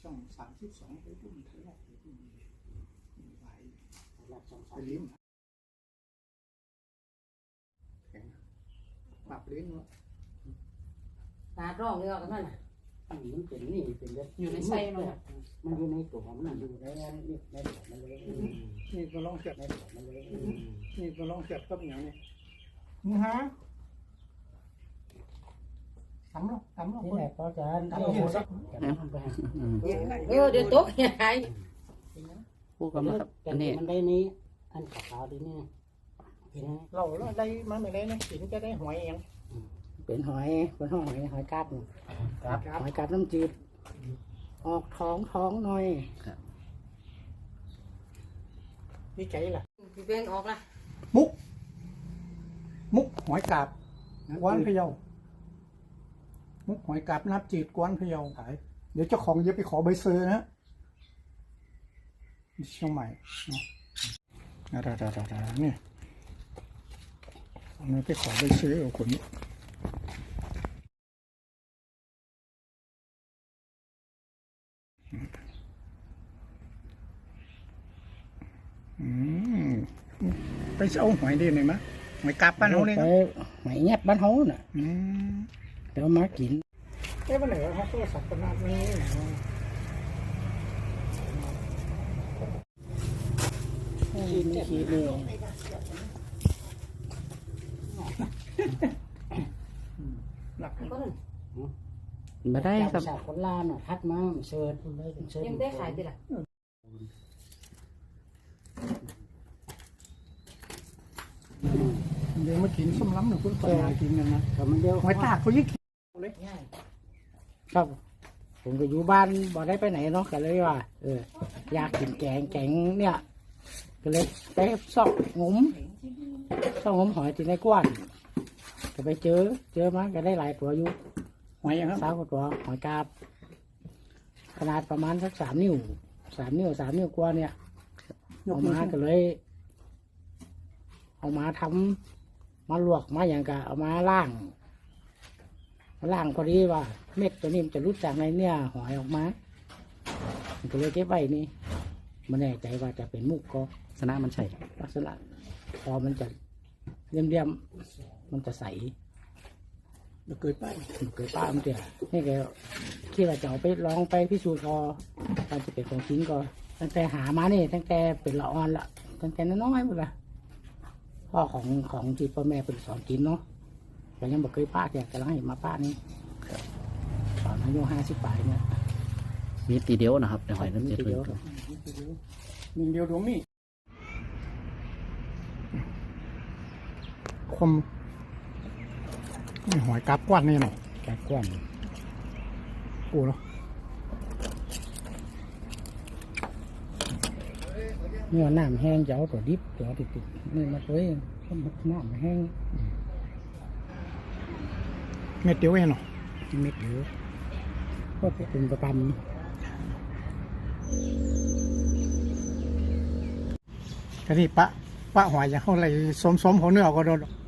ช่อง32ไปดุ้มทะเลาะไปดุ้มไหวไปลิ้มแข็งปรับลิ้นเนาะตาร้องเนื้อกันนั่นน่ะอันนี้มันเป็นนี่เป็นเลือดอยู่ในไส้มันมันอยู่ในตัวมันอยู่ในนี่ในตัวมันเลยนี่ก็ลองเสียบในตัวมันเลยนี่ก็ลองเสียบกับอย่างนี้มึงฮะทำหรอคนี่นแหละก็จะทำเห็นสักเดี๋ยวตกยายพูดกันมาครับอันนี้มันได้นี้อันขาวๆดีนี่เห็นไหมเราได้มาไม่ได้นะสินจะได้หอยเองเป็นหอยหอยกาบหอยกาบน้ำจืดออกท้องหน่อยดีใจล่ะพี่เป้งออกละมุกหอยกาบกวนพะเยามุกหอยกาบนับจีดกวนพะเยาขายเดี๋ยวเจ้าของจะไปขอใบเซอร์นะเชียงใหม่นี่เอาไปขอใบเซอร์เอาคนนี้ไปเอาหอยดีหน่อยมั้ยหอยกาบบ้านเขาเนี่ยไปหอยแงบบ้านเขาน่ะ เดี๋ยวมากินเอ๊ะวันไหนเขาโทรศัพท์ขนาดนี้ขี้เลยหลักก็นั่นมาได้ครับจากคนลาวน่ะทัดมาเชิญเชิญยังได้ขายดิล่ะเดี๋ยวมากินส้มล้ำหนึ่งคุณคนมากินกันนะแต่มันเดียวหอยตากเขายิ่งกินครับ ผมก็อยู่บ้านบ่ได้ไปไหนเนาะก็เลยว่าอยากกินแกงเนี่ยก็เลยไปซ่องงมหอยที่ในกว้านก็ไปเจอมาก็ได้หลายตัวอยู่หอยครับสาวกว่าตัวหอยกาบขนาดประมาณสัก3 นิ้วกว่าเนี่ยเอามาก็เลยเอามาทำมาลวกมาอย่างกะเอามาล่างพอดีว่าเม็ดตัวนี้มันจะรุดจากในเนี่ยหอยออกมามันก็เลยเก็บไว้นี่มันแน่ใจว่าจะเป็นมุกก็สนะมันใช่ลักษณะพอมันจะเลี่ยมมันจะใสเราเคยไปมันเกิดป้ามันเตี่ยนี่แกคิดว่าจะเอาไปลองไปพิสูจน์ก็การจะเป็นของจริงก็ตั้งแต่หามานี่ตั้งแต่เป็นละอ่อนละตั้งแต่น้อยๆหมดละพ่อของที่พ่อแม่เป็นสอนกินเนาะแต่ยังบอกเคยป้าแกกำลังเห็นมาป้านี่ตอนอายุ50 ปีเนี่ยมีตีเดียวนะครับในหอยน้ำจืดทีเดียวหนึ่งเดียวดวงนี้คมนี่หอยกาบกว้านนี่หน่อยแกกว้างกูเนาะเนี่ยน้ำแห้งจะเอาตัวดิบจะเอาติดนี่มาตัวเองน้ำแห้งเม็ดเดียวเองเนาะเม็ดเดียวก็เป็นประจกะที่ปะหอยอย่างเขาอะไรสมเขาเนื้อก็โดน